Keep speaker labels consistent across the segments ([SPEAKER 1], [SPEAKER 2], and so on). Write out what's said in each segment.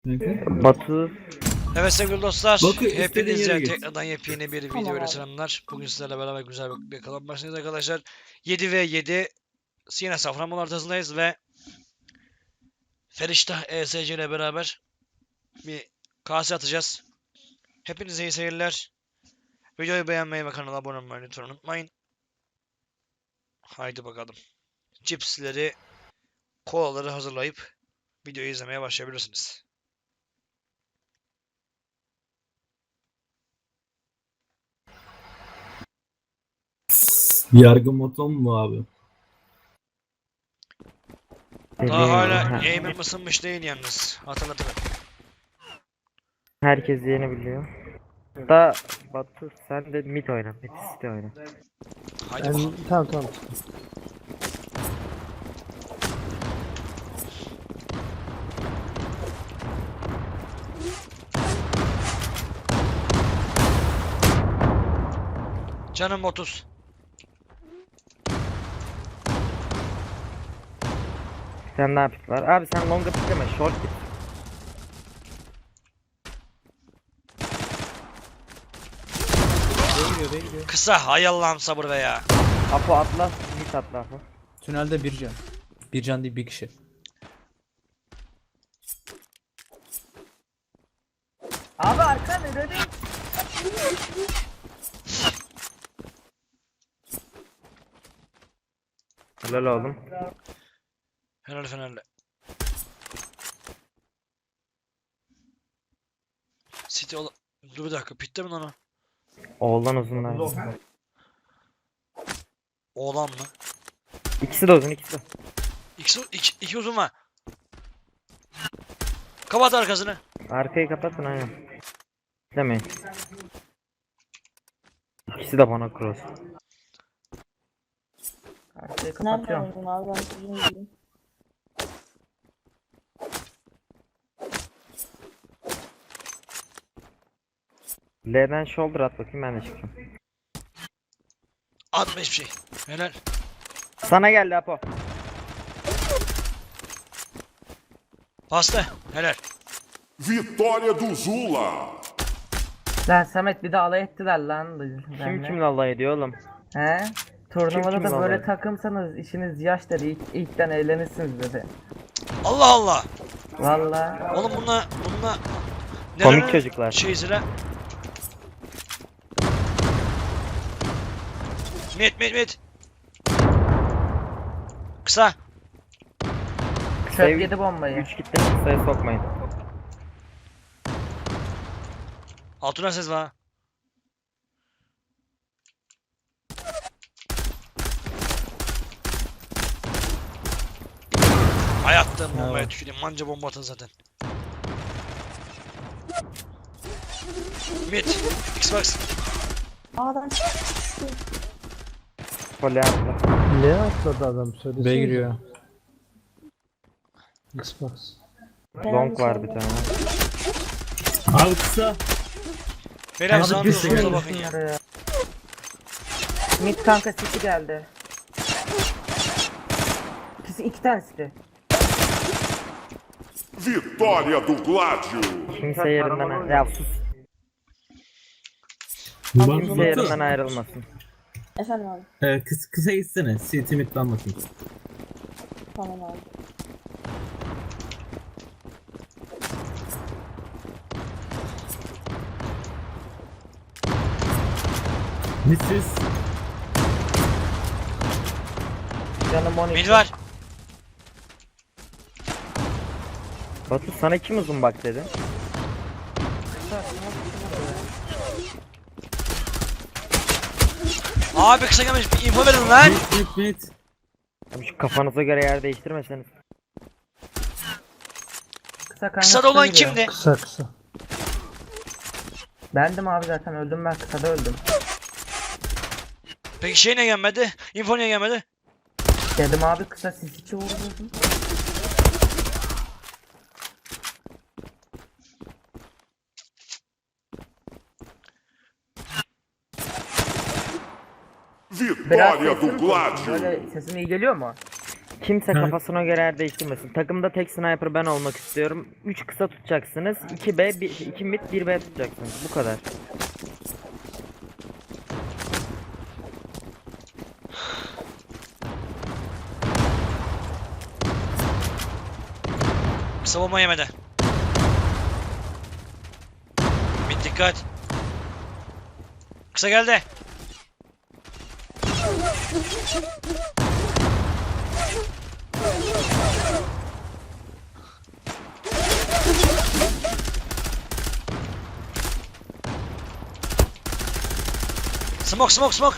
[SPEAKER 1] Batu.
[SPEAKER 2] Evet sevgili dostlar,
[SPEAKER 3] Bakın, istediğin
[SPEAKER 2] hepinize
[SPEAKER 3] yere git.
[SPEAKER 2] tekrardan yepyeni bir video ile selamlar. Bugün sizlerle beraber güzel bir kalan başındayız arkadaşlar. 7 ve 7 yine Safranbolu haritasındayız ve Feriştah ESC ile beraber bir kase atacağız. Hepinize iyi seyirler. Videoyu beğenmeyi ve kanala abone olmayı lütfen unutmayın. Haydi bakalım. Cipsleri, kolaları hazırlayıp videoyu izlemeye başlayabilirsiniz.
[SPEAKER 3] Yargı moton mu abi?
[SPEAKER 2] Daha hala aim'im ısınmış değil yalnız. Hatırlatırım.
[SPEAKER 1] Herkes yeni biliyor. Da Batu sen de mid oyna. Mid city oyna.
[SPEAKER 2] Haydi bakalım.
[SPEAKER 4] Tamam.
[SPEAKER 2] Canım 30.
[SPEAKER 1] Sen ne yapıp var? Abi sen longa pikleme. Short git.
[SPEAKER 4] Değiyor.
[SPEAKER 2] Kısa. Hay Allah'ım sabır be ya.
[SPEAKER 1] Apo atla. Mid atla Apo.
[SPEAKER 4] Tünelde bir can. Bir can değil bir kişi.
[SPEAKER 1] Abi arkan öyle. Helal oğlum.
[SPEAKER 2] Helal Fenerli. City ol... Dur bir dakika. Pitte mi lan o?
[SPEAKER 1] Oğlan uzunlar.
[SPEAKER 2] Oğlan mı?
[SPEAKER 1] İkisi de uzun ikisi de.
[SPEAKER 2] İki uzun var. Kapat arkasını.
[SPEAKER 1] Arkayı kapatın aynen. Demeyin. İkisi de bana cross. Arkayı
[SPEAKER 5] Nereden
[SPEAKER 1] kapatıyorum.
[SPEAKER 5] oldun abi ben sizin gibiyim.
[SPEAKER 1] L'den shoulder at bakayım ben de çıkacağım.
[SPEAKER 2] Atma hiçbir şey. Helal.
[SPEAKER 1] Sana geldi Apo.
[SPEAKER 2] Bastı. Helal.
[SPEAKER 6] Vitória do Zula.
[SPEAKER 7] Lan Samet bir de alay ettiler lan.
[SPEAKER 1] Kim kimle alay ediyor oğlum?
[SPEAKER 7] He? Turnuvada
[SPEAKER 1] kimle
[SPEAKER 7] da
[SPEAKER 1] alay
[SPEAKER 7] böyle
[SPEAKER 1] ediyor?
[SPEAKER 7] takımsanız işiniz yaş dedi. İlkten eğlenirsiniz dedi.
[SPEAKER 2] Allah Allah.
[SPEAKER 7] Valla.
[SPEAKER 2] Oğlum bununla
[SPEAKER 1] Komik
[SPEAKER 2] nerenin
[SPEAKER 1] çocuklar.
[SPEAKER 2] şeysine. Mid. Kısa.
[SPEAKER 7] Çöp yedi bombayı.
[SPEAKER 1] 3 kitle sayı sokmayın.
[SPEAKER 2] Altına ses var. Ay attım bombaya tüküreyim. Manca bomba atın zaten. Mid. Xbox.
[SPEAKER 5] A'dan
[SPEAKER 1] Pole atla.
[SPEAKER 8] Ne atladı adam söylesene.
[SPEAKER 4] B giriyor.
[SPEAKER 8] Xbox.
[SPEAKER 1] Long var bir tane.
[SPEAKER 3] Abi kısa.
[SPEAKER 2] Beyler
[SPEAKER 8] Abi
[SPEAKER 2] sağınıza
[SPEAKER 8] düşün.
[SPEAKER 2] solunuza bakın ya.
[SPEAKER 7] Şunları ya. Mid kanka sisi geldi. İkisi iki tanesi de.
[SPEAKER 6] Vitória do Gládio.
[SPEAKER 1] Kimse yerinden ya sus.
[SPEAKER 3] Bak
[SPEAKER 1] Kimse yerinden
[SPEAKER 3] Batu.
[SPEAKER 1] ayrılmasın.
[SPEAKER 5] efendim abi.
[SPEAKER 3] Kısa gitsene. City mid'den bakayım.
[SPEAKER 5] Tamam abi.
[SPEAKER 3] Midsiz.
[SPEAKER 7] Canım 12.
[SPEAKER 2] Mid var.
[SPEAKER 1] Batu sana kim uzun bak dedi.
[SPEAKER 2] Abi kısa gelmiş. Bir info verin lan.
[SPEAKER 3] Mid.
[SPEAKER 1] Abi şu kafanıza göre yer değiştirmeseniz.
[SPEAKER 7] Kısa kanka.
[SPEAKER 2] Kısa da olan
[SPEAKER 7] giriyor.
[SPEAKER 2] kimdi?
[SPEAKER 8] Kısa.
[SPEAKER 7] Bendim abi zaten öldüm ben kısada öldüm.
[SPEAKER 2] Peki şey ne gelmedi? Info niye gelmedi?
[SPEAKER 7] Dedim abi kısa sis içi vurdum. Biraz
[SPEAKER 6] Vitória do
[SPEAKER 7] sesim
[SPEAKER 6] Gládio.
[SPEAKER 7] böyle sesim iyi geliyor mu?
[SPEAKER 1] Kimse
[SPEAKER 3] Ha.
[SPEAKER 1] kafasına göre yer değiştirmesin. Takımda tek sniper ben olmak istiyorum. 3 kısa tutacaksınız. 2B, 2 mid, 1B tutacaksınız. Bu kadar.
[SPEAKER 2] Kısa bomba yemedi. Mid dikkat. Kısa geldi. Smoke smoke smoke.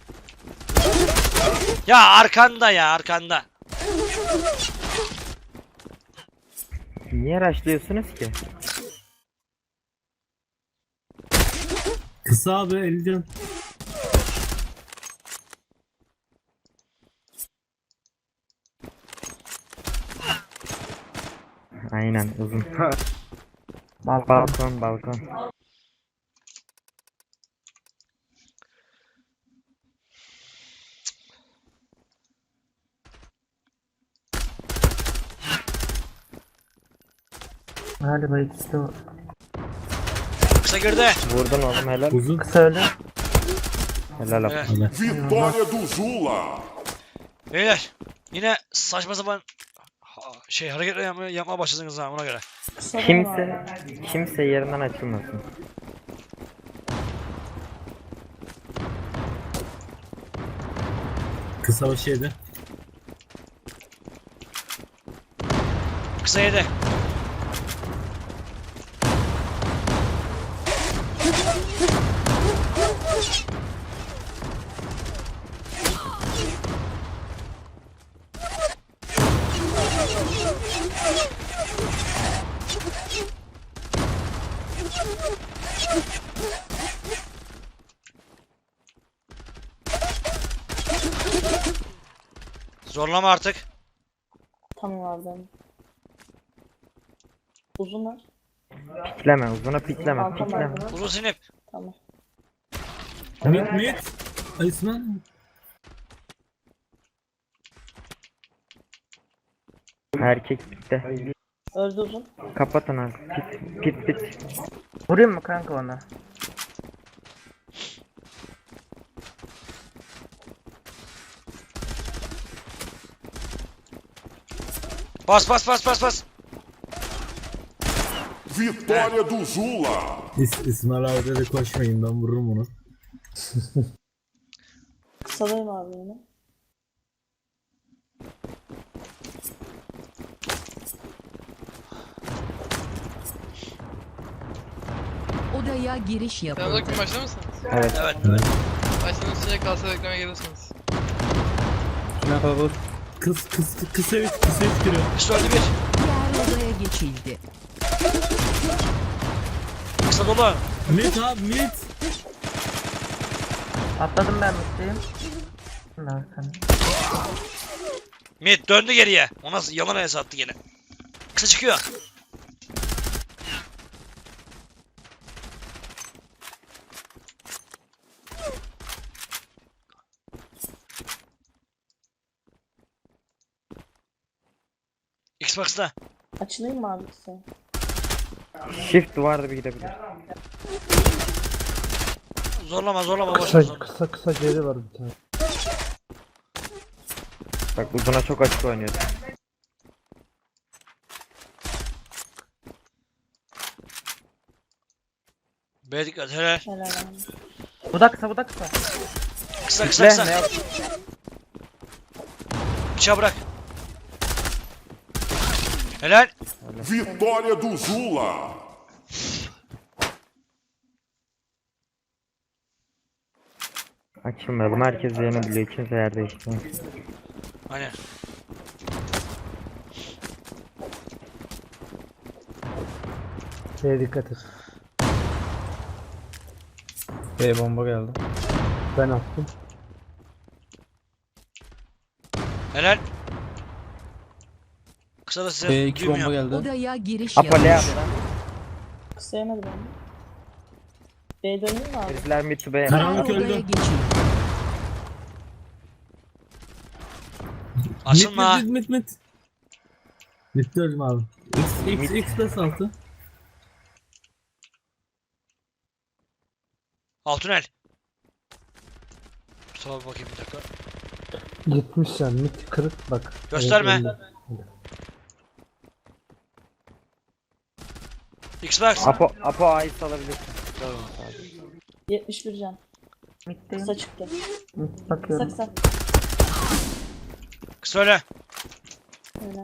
[SPEAKER 2] Ya arkanda ya arkanda.
[SPEAKER 1] Niye rushlıyorsunuz ki?
[SPEAKER 3] Kısa abi 50 can.
[SPEAKER 1] Aynen uzun. Balkon balkon.
[SPEAKER 7] Galiba ikisi de o.
[SPEAKER 2] Kısa girdi.
[SPEAKER 1] Vurdun oğlum helal.
[SPEAKER 3] Uzun.
[SPEAKER 7] Kısa öyle.
[SPEAKER 1] Helal abi.
[SPEAKER 2] Evet.
[SPEAKER 3] Helal.
[SPEAKER 6] Vitória do Zula.
[SPEAKER 2] Beyler yine saçma sapan hareketler yapmaya başladınız ha ona göre.
[SPEAKER 5] Kısadayım abi.
[SPEAKER 1] Kimse yerinden açılmasın.
[SPEAKER 3] Kısa başı yedi.
[SPEAKER 2] Kısa yedi. Zorlama artık.
[SPEAKER 5] Tamam abi ben. Uzun var.
[SPEAKER 1] Pikleme uzuna pikleme
[SPEAKER 5] Balkon
[SPEAKER 1] pikleme.
[SPEAKER 5] balkon.
[SPEAKER 2] Uzun sinip.
[SPEAKER 5] Tamam.
[SPEAKER 3] Mid. Ayısman.
[SPEAKER 1] Erkek bitti.
[SPEAKER 5] Öldü uzun.
[SPEAKER 1] Kapatın abi. Pit.
[SPEAKER 7] Vurayım mı kanka ona?
[SPEAKER 2] Bas.
[SPEAKER 6] Vitória do Zula.
[SPEAKER 3] İsmail abi de koşmayın, ben vururum onu.
[SPEAKER 5] Kısadayım abi yine.
[SPEAKER 9] Odaya giriş yapıldı.
[SPEAKER 10] Selamünaleyküm, başlar mısınız?
[SPEAKER 1] Evet.
[SPEAKER 2] Evet.
[SPEAKER 10] Başladığınız süre kalsa reklamaya gelirsiniz.
[SPEAKER 4] Tünel kalabalık.
[SPEAKER 3] Kısa üç kilo.
[SPEAKER 2] Kısa öldü bir.
[SPEAKER 9] Diğer odaya geçildi.
[SPEAKER 2] Kısa dolu.
[SPEAKER 3] Mid abi mid.
[SPEAKER 7] Atladım ben mutluyum. Şimdi arkana.
[SPEAKER 2] Mid döndü geriye. O nasıl yalan el sattı gene. Kısa çıkıyor. Xbox'ta.
[SPEAKER 5] Açılayım mı abi kısa?
[SPEAKER 1] Shift duvarda bir gidebilir.
[SPEAKER 2] Zorlama boş ver, zorlama.
[SPEAKER 8] Kısa geri var bir tane.
[SPEAKER 1] Bak uzuna çok açık oynuyor.
[SPEAKER 2] B dikkat helal.
[SPEAKER 5] Helal abi.
[SPEAKER 7] Bu da kısa bu da kısa.
[SPEAKER 2] Kısa
[SPEAKER 1] Pikle, ne
[SPEAKER 2] kısa.
[SPEAKER 1] yap?
[SPEAKER 2] Bıçağı bırak. Helal.
[SPEAKER 6] Vitória do Zula.
[SPEAKER 1] Açılmayalım. Herkes yerini biliyor. Kimse yer değiştirmiyor.
[SPEAKER 2] Aynen.
[SPEAKER 8] Şeye dikkat et.
[SPEAKER 4] B bomba geldi.
[SPEAKER 8] Ben attım.
[SPEAKER 2] Helal. Kısa da size
[SPEAKER 4] B 2 bomba
[SPEAKER 2] duymuyor.
[SPEAKER 4] geldi.
[SPEAKER 9] Odaya giriş
[SPEAKER 1] Apale
[SPEAKER 9] yapıldı.
[SPEAKER 1] yaptı.
[SPEAKER 5] Kısa yemedi ben. B döneyim mi abi?
[SPEAKER 1] Herifler mid to B'ye.
[SPEAKER 3] Karanlık
[SPEAKER 9] Diğer
[SPEAKER 3] öldü.
[SPEAKER 9] odaya geçildi.
[SPEAKER 2] Açılma.
[SPEAKER 3] Mid. Mid diyorum abi. X plus 6.
[SPEAKER 2] Altınel. Mustafa bakayım bir dakika.
[SPEAKER 8] Gitmiş yani. Mid kırık bak.
[SPEAKER 2] Gösterme.
[SPEAKER 8] Evet, önde.
[SPEAKER 2] Xbox.
[SPEAKER 1] Apo A'yı salabilirsin. Tamam, sadece.
[SPEAKER 5] 71 can.
[SPEAKER 7] Mitteyim.
[SPEAKER 5] Kısa çıktı.
[SPEAKER 7] Mid
[SPEAKER 5] Kısa
[SPEAKER 7] bakıyorum.
[SPEAKER 5] kısa.
[SPEAKER 2] Kısa öyle.
[SPEAKER 5] Öyle.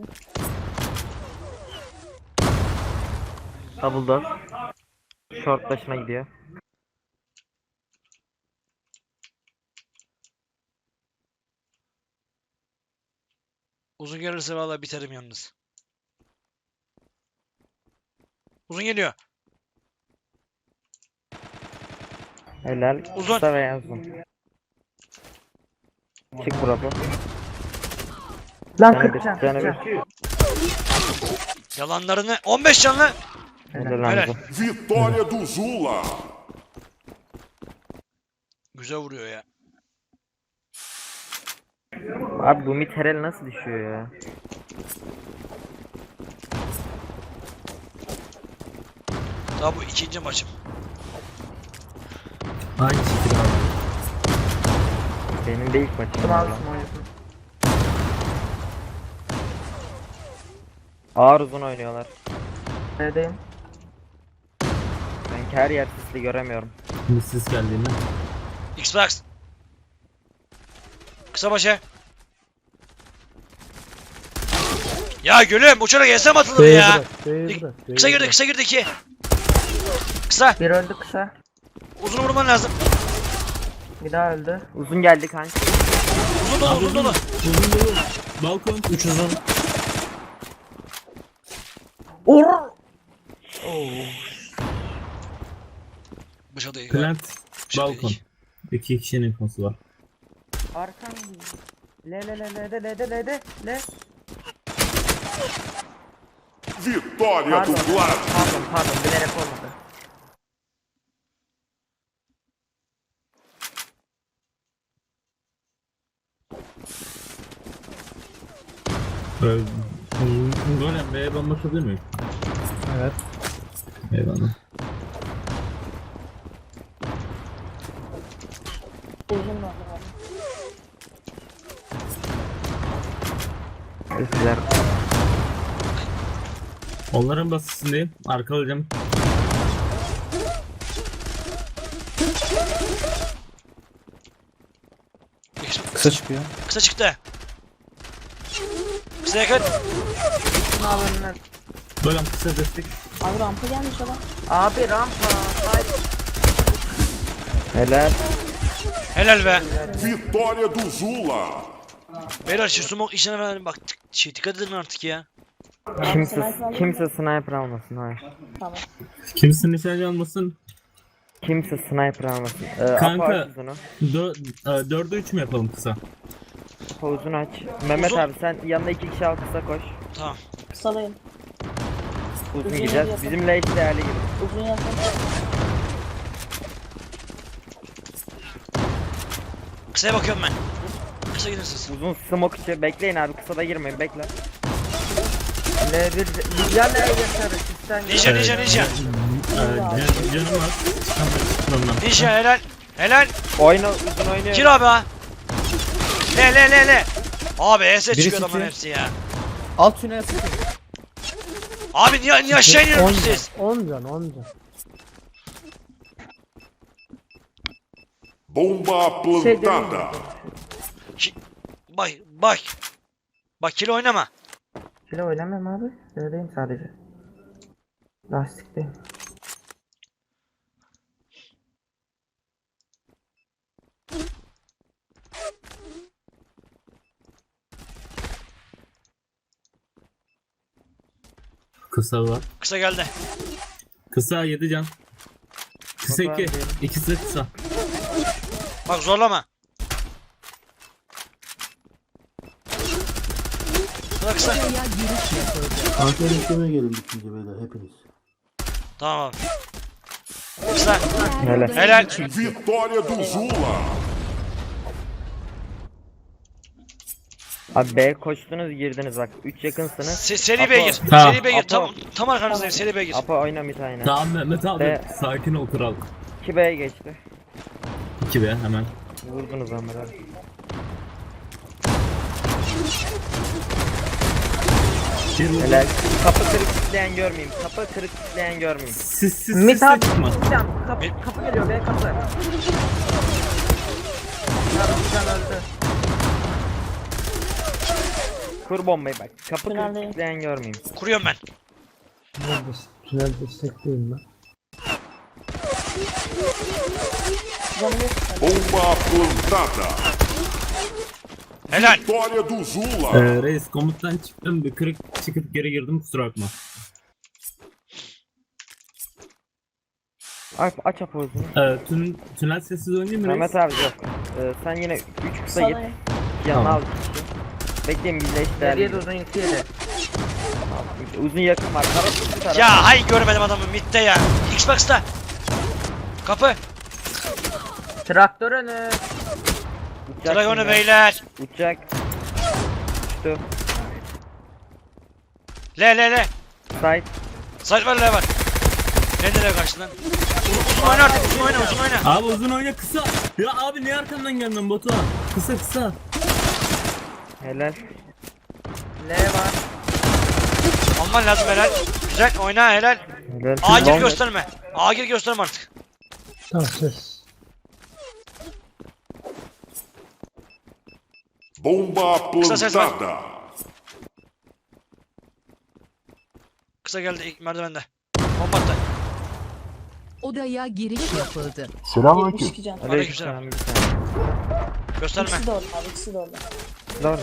[SPEAKER 1] Double door. Short başına gidiyor.
[SPEAKER 2] Uzun gelirse vallahi biterim yalnız. Uzun geliyor.
[SPEAKER 1] Helal.
[SPEAKER 2] Uzun.
[SPEAKER 1] Kısa veya uzun. Çık Bravo.
[SPEAKER 7] Lan
[SPEAKER 1] Canı
[SPEAKER 7] 40
[SPEAKER 1] bir.
[SPEAKER 7] can.
[SPEAKER 1] Canı
[SPEAKER 7] 40
[SPEAKER 1] bir.
[SPEAKER 7] can.
[SPEAKER 2] Yalanlarını 15 canlı.
[SPEAKER 1] Helal
[SPEAKER 2] Helal.
[SPEAKER 1] Hamza.
[SPEAKER 6] Vitória do Zula.
[SPEAKER 2] Güzel vuruyor ya.
[SPEAKER 1] Abi bu mid herel nasıl düşüyor ya?
[SPEAKER 2] Daha bu ikinci maçım.
[SPEAKER 3] Aynı şekilde abi.
[SPEAKER 1] Benim de ilk maçım.
[SPEAKER 7] Tamam
[SPEAKER 1] valla.
[SPEAKER 7] alsın oynasın.
[SPEAKER 1] Ağır uzun oynuyorlar.
[SPEAKER 7] Neredeyim?
[SPEAKER 1] Ben her yer sisli göremiyorum.
[SPEAKER 3] Şimdi siz geldiğinde.
[SPEAKER 2] Xbox. Kısa başa. Ya gülüm uçarak yesem atılır
[SPEAKER 8] B'ye
[SPEAKER 2] ya.
[SPEAKER 8] bırak. B'ye bırak. B'ye
[SPEAKER 2] Kısa girdi
[SPEAKER 8] bırak.
[SPEAKER 2] kısa girdi 2. Kısa.
[SPEAKER 7] Bir öldü kısa.
[SPEAKER 2] Uzun vurman lazım.
[SPEAKER 7] Bir daha öldü.
[SPEAKER 1] Uzun geldi kanka.
[SPEAKER 2] Uzun dolu uzun dolu.
[SPEAKER 3] Uzun dolu. Balkon.
[SPEAKER 4] 3 uzun.
[SPEAKER 2] Dışarıda
[SPEAKER 3] Plant.
[SPEAKER 2] Dışarıda
[SPEAKER 3] Balkon. 2 kişinin konusu var.
[SPEAKER 7] Arkan. Le.
[SPEAKER 6] Vitória do Vlad.
[SPEAKER 7] Pardon bilerek olmadı.
[SPEAKER 3] Golem B'ye bomba atabilir miyim?
[SPEAKER 4] Evet.
[SPEAKER 3] Eyvallah.
[SPEAKER 5] Uzun var.
[SPEAKER 1] Sesler.
[SPEAKER 3] Onların basısındayım. Arkalayacağım.
[SPEAKER 4] Kısa çıkıyor.
[SPEAKER 2] Kısa çıktı. Kısa yakın.
[SPEAKER 7] Ne yapıyorsun?
[SPEAKER 3] Golem kısa destek.
[SPEAKER 5] Abi rampa gelmiş adam.
[SPEAKER 7] Abi rampa. Hayır.
[SPEAKER 1] Helal.
[SPEAKER 2] Helal be.
[SPEAKER 6] Vitória do Zula.
[SPEAKER 2] Beyler şu smoke işine ben bak dikkat edin artık ya.
[SPEAKER 1] Kimse sniper almasın. Hayır.
[SPEAKER 5] Tamam.
[SPEAKER 3] Kimsin nişancı almasın?
[SPEAKER 1] Kimse sniper almasın.
[SPEAKER 3] Kanka.
[SPEAKER 1] Apo aç uzunu.
[SPEAKER 3] 4'e 3 mü yapalım kısa?
[SPEAKER 1] Apo uzun aç. Mehmet
[SPEAKER 2] Uzun.
[SPEAKER 1] abi sen yanına 2 kişi al kısa koş.
[SPEAKER 2] Tamam.
[SPEAKER 5] Kısalayın.
[SPEAKER 1] Uzun
[SPEAKER 5] Uzun
[SPEAKER 1] gideceğiz.
[SPEAKER 5] yapalım.
[SPEAKER 1] Bizimle eş değerli gibi.
[SPEAKER 5] Uzun yakın.
[SPEAKER 2] Kısaya bakıyorum ben. Kısa gidin siz.
[SPEAKER 1] Uzun smoke içi. Bekleyin abi kısa da girmeyin bekle.
[SPEAKER 7] L1 ya L yaşarı. Sizden
[SPEAKER 2] Ninja ninja ninja.
[SPEAKER 3] Canım var. Tamam.
[SPEAKER 2] Ninja helal. Helal.
[SPEAKER 1] Oyna uzun oynuyor.
[SPEAKER 2] Gir abi ha. Le. Abi ES çıkıyor
[SPEAKER 4] Birisi
[SPEAKER 2] adamın
[SPEAKER 4] iki.
[SPEAKER 2] hepsi ya.
[SPEAKER 4] Alt tünel sıkıyor.
[SPEAKER 2] Abi niye aşağı
[SPEAKER 8] 10
[SPEAKER 2] iniyorsunuz
[SPEAKER 8] can.
[SPEAKER 2] siz?
[SPEAKER 8] 10 can. 10 can.
[SPEAKER 6] Bomba plantada.
[SPEAKER 2] Bak. Bak kilo oynama.
[SPEAKER 7] Şöyle oynamıyorum abi. Şöyleyim sadece. Lastikteyim.
[SPEAKER 3] Kısa var.
[SPEAKER 2] Kısa geldi.
[SPEAKER 3] Kısa 7 can. Kısa
[SPEAKER 1] Kısa
[SPEAKER 3] 2.
[SPEAKER 1] değil.
[SPEAKER 3] İkisi de kısa.
[SPEAKER 2] Bak zorlama. Kısa.
[SPEAKER 9] Odaya giriş yapıldı.
[SPEAKER 8] Antrenör istemeye gelin bitince beyler hepiniz.
[SPEAKER 2] Tamam abi. Kısa.
[SPEAKER 1] Helal.
[SPEAKER 9] Odaya
[SPEAKER 2] Helal.
[SPEAKER 9] geçildi.
[SPEAKER 6] Vitória do Zula.
[SPEAKER 1] Abi B koştunuz girdiniz bak. 3 yakınsınız.
[SPEAKER 2] Seri B'ye gir.
[SPEAKER 3] Tamam.
[SPEAKER 2] Seri B'ye gir.
[SPEAKER 1] Apo.
[SPEAKER 2] Tam arkanızdayım. Seri B'ye gir.
[SPEAKER 1] Apo oyna mid aynen.
[SPEAKER 3] Tamam Mehmet abi.
[SPEAKER 1] Be.
[SPEAKER 3] Sakin ol kral.
[SPEAKER 1] 2 B'ye geçti.
[SPEAKER 3] 2B hemen.
[SPEAKER 1] Vurdunuz onları abi.
[SPEAKER 3] Bir vurdu.
[SPEAKER 1] Helal. Kapı kırık kitleyen görmeyeyim. Kapı kırık kitleyen görmeyeyim.
[SPEAKER 3] Siz
[SPEAKER 7] Mid abi
[SPEAKER 3] çıkma.
[SPEAKER 7] tutacağım. Kapı geliyor be kapı. Yarımcan öldü.
[SPEAKER 1] Kur bombayı bak. Kapı kırık
[SPEAKER 5] Tünelde.
[SPEAKER 1] kitleyen görmeyeyim.
[SPEAKER 2] Kuruyorum ben.
[SPEAKER 8] Tünel destekleyeyim ben.
[SPEAKER 5] Canım yok.
[SPEAKER 6] Bomba plantada.
[SPEAKER 2] Helal.
[SPEAKER 6] Vitória do Zula.
[SPEAKER 3] Reis komuttan çıktım bir kırık çıkıp geri girdim kusura bakma.
[SPEAKER 1] Aç Apo uzunu.
[SPEAKER 3] Tünel sessiz oynayayım mı
[SPEAKER 1] Mehmet
[SPEAKER 3] Reis?
[SPEAKER 1] abi yok. Sen yine 3 kısa git.
[SPEAKER 5] Sağdayım.
[SPEAKER 1] Yanına
[SPEAKER 3] Tamam.
[SPEAKER 1] al kişi. Bekleyin birleşti.
[SPEAKER 7] Geriye de uzun yükseğe.
[SPEAKER 1] Uzun yakın var. Taraf bir taraf.
[SPEAKER 2] Ya hay görmedim adamı midde ya. Xbox'ta. Kapı.
[SPEAKER 7] Traktör önü.
[SPEAKER 1] Uçacak
[SPEAKER 2] Tray onu
[SPEAKER 1] şimdi.
[SPEAKER 2] beyler.
[SPEAKER 1] Uçacak. Uçtu.
[SPEAKER 2] Le.
[SPEAKER 1] Side.
[SPEAKER 2] Sait var le var. Nereye kaçtı lan? Uzun oyna artık. Uzun oyna.
[SPEAKER 3] Abi uzun oyna kısa. Ya abi niye arkamdan geldin Batu? Kısa.
[SPEAKER 1] Helal.
[SPEAKER 7] L var.
[SPEAKER 2] Alman lazım helal. Güzel oyna helal.
[SPEAKER 1] Helal.
[SPEAKER 2] A gir
[SPEAKER 1] Long-
[SPEAKER 2] gösterme. A gir gösterme artık.
[SPEAKER 8] Tamam ses.
[SPEAKER 6] Bomba plantada.
[SPEAKER 2] Kısa geldi ilk merdivende. Bomba attı.
[SPEAKER 9] Odaya giriş yapıldı.
[SPEAKER 5] 72 can.
[SPEAKER 2] Aleykümselam.
[SPEAKER 1] Bir tane.
[SPEAKER 2] Gösterme.
[SPEAKER 5] İkisi de orada abi. İkisi de orada.
[SPEAKER 1] Doğru.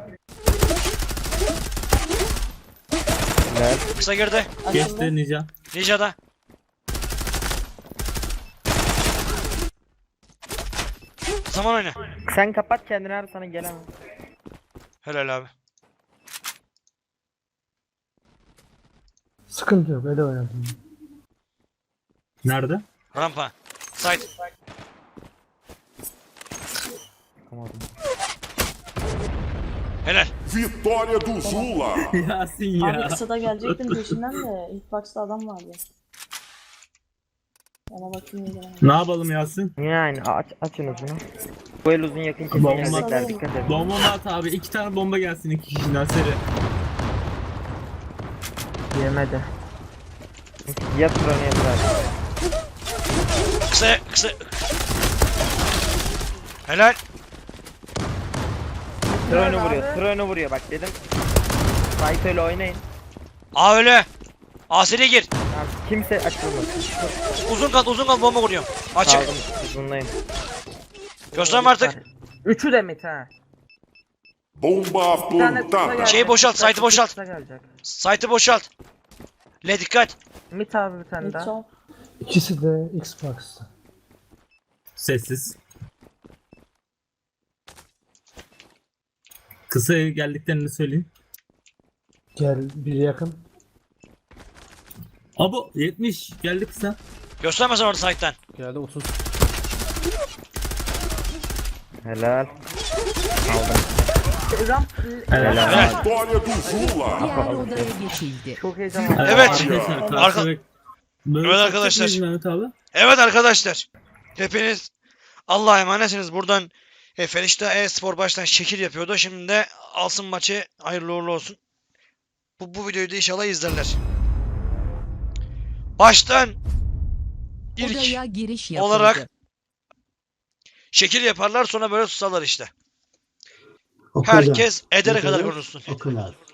[SPEAKER 1] Helal.
[SPEAKER 2] Kısa girdi.
[SPEAKER 5] Açıldı.
[SPEAKER 3] Geçti Ninja.
[SPEAKER 2] Ninja'da. Zaman oyna.
[SPEAKER 1] Sen kapat kendini abi sana gelemem.
[SPEAKER 2] Helal abi.
[SPEAKER 8] Sıkıntı yok öyle oynadım.
[SPEAKER 3] Nerede?
[SPEAKER 2] Rampa. Side.
[SPEAKER 1] Yapamadım.
[SPEAKER 2] Helal.
[SPEAKER 6] Vitória do Zula.
[SPEAKER 3] Yasin
[SPEAKER 5] Abi
[SPEAKER 3] ya.
[SPEAKER 5] kısada gelecektim peşinden de ilk box'ta adam vardı. Ona bakayım iyi
[SPEAKER 3] Ne yapalım Yasin?
[SPEAKER 1] Yani açın uzunu. Bu el uzun yakın kesin
[SPEAKER 3] Bomba.
[SPEAKER 1] gelecekler dikkat edin.
[SPEAKER 3] Bomba mı at abi? 2 tane bomba gelsin 2 kişiden seri.
[SPEAKER 1] Yemedi. Yat drone'u yat abi.
[SPEAKER 2] Kısa. Helal.
[SPEAKER 1] Drone'u vuruyor bak dedim. Sait öyle oynayın.
[SPEAKER 2] A öyle. A seri gir.
[SPEAKER 1] Tamam, kimse açılmasın.
[SPEAKER 2] Uzun kal bomba vuruyorum. Açık.
[SPEAKER 1] Kaldım uzundayım.
[SPEAKER 2] Gösterme artık.
[SPEAKER 7] Üçü de mid ha.
[SPEAKER 6] Bomba
[SPEAKER 7] Bir tane kısa
[SPEAKER 6] plantada.
[SPEAKER 7] gelecek.
[SPEAKER 2] Şeyi boşalt,
[SPEAKER 7] Kısa-
[SPEAKER 2] site'ı boşalt.
[SPEAKER 7] kısa gelecek.
[SPEAKER 2] Site'ı boşalt. Le dikkat.
[SPEAKER 7] Mid abi bir tane
[SPEAKER 5] Mid
[SPEAKER 7] daha.
[SPEAKER 5] sol.
[SPEAKER 8] İkisi de Xbox'ta.
[SPEAKER 3] Sessiz. Kısa geldiklerini söyleyeyim.
[SPEAKER 8] Gel bir yakın.
[SPEAKER 3] Abo 70 geldi kısa.
[SPEAKER 2] Gösterme sen orada site'den.
[SPEAKER 4] Geldi 30.
[SPEAKER 1] Helal.
[SPEAKER 7] Ramp.
[SPEAKER 3] Helal.
[SPEAKER 2] Helal.
[SPEAKER 6] Vitória do Zula.
[SPEAKER 9] Diğer odaya geçildi.
[SPEAKER 7] Çok heyecanlı.
[SPEAKER 2] Evet.
[SPEAKER 3] Arkadaşlar,
[SPEAKER 2] Arka-
[SPEAKER 3] karşıdaki- Böyle
[SPEAKER 2] Evet
[SPEAKER 3] satacak
[SPEAKER 2] arkadaşlar.
[SPEAKER 3] mıyız Mehmet abi?
[SPEAKER 2] Evet arkadaşlar. Hepiniz Allah'a emanetsiniz. Buradan Felişta e-spor baştan şekil yapıyordu. Şimdi de alsın maçı. Hayırlı uğurlu olsun. Bu videoyu da inşallah izlerler. Baştan ilk
[SPEAKER 9] Odaya giriş yapıldı.
[SPEAKER 2] olarak şekil yaparlar sonra böyle susarlar işte.
[SPEAKER 8] O kadar.
[SPEAKER 2] Herkes edere
[SPEAKER 8] O
[SPEAKER 2] kadar
[SPEAKER 8] kadar.
[SPEAKER 2] konuşsun.
[SPEAKER 8] O kadar.